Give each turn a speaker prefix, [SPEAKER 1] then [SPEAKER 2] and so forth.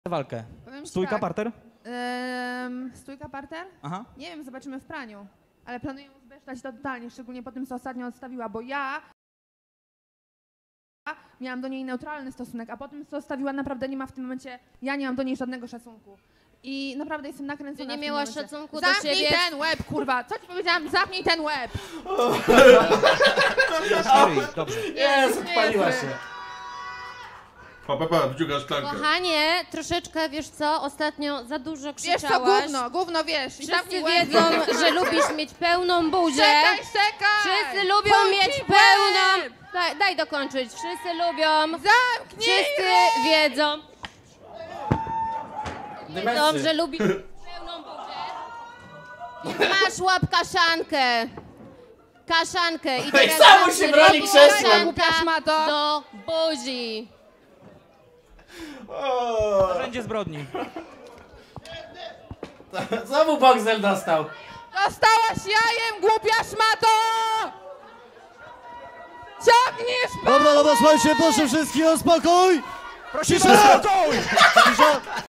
[SPEAKER 1] walkę.
[SPEAKER 2] Powiem ci
[SPEAKER 1] Stójka,
[SPEAKER 2] tak.
[SPEAKER 1] parter?
[SPEAKER 2] Stójka, parter?
[SPEAKER 1] Aha.
[SPEAKER 2] Nie wiem, zobaczymy w praniu. Ale planuję zbesztać to totalnie, szczególnie po tym, co ostatnio odstawiła, bo ja miałam do niej neutralny stosunek, a po tym, co odstawiła, naprawdę nie ma w tym momencie, ja nie mam do niej żadnego szacunku. I naprawdę jestem nakręcona.
[SPEAKER 3] Ty nie
[SPEAKER 2] w tym
[SPEAKER 3] miałaś
[SPEAKER 2] momencie.
[SPEAKER 3] szacunku do
[SPEAKER 2] Zamknij
[SPEAKER 3] siebie.
[SPEAKER 2] ten łeb, kurwa! Co ci powiedziałam? Zamknij ten łeb!
[SPEAKER 1] Dobrze.
[SPEAKER 4] Jest, odpaliła się.
[SPEAKER 5] Pa, wciuga szklankę.
[SPEAKER 3] Kochanie, troszeczkę, wiesz co, ostatnio za dużo
[SPEAKER 2] Wiesz co,
[SPEAKER 3] krzyczałaś.
[SPEAKER 2] gówno wiesz. I
[SPEAKER 3] Wszyscy
[SPEAKER 2] zamknij łeb.
[SPEAKER 3] wiedzą, że lubisz mieć pełną buzię.
[SPEAKER 2] Czekaj!
[SPEAKER 3] Wszyscy lubią
[SPEAKER 2] Zamknij
[SPEAKER 3] mieć
[SPEAKER 2] łeb!
[SPEAKER 3] pełną... Daj dokończyć. Wszyscy lubią.
[SPEAKER 2] Zamknij
[SPEAKER 3] Wszyscy wiedzą, że lubisz pełną buzię. Masz łap kaszankę. Kaszankę. I teraz
[SPEAKER 4] samo się broni krzesłem.
[SPEAKER 3] kaszanka
[SPEAKER 2] Głupia szmato.
[SPEAKER 3] do buzi.
[SPEAKER 1] Narzędzie zbrodni.
[SPEAKER 4] Znowu Boxel dostał.
[SPEAKER 2] Dostałaś jajem, głupia szmato! Ciągniesz
[SPEAKER 6] Dobra, słuchajcie, proszę wszystkich o spokój!
[SPEAKER 1] Prosimy
[SPEAKER 6] Cisza!
[SPEAKER 1] o spokój!
[SPEAKER 6] Cisza!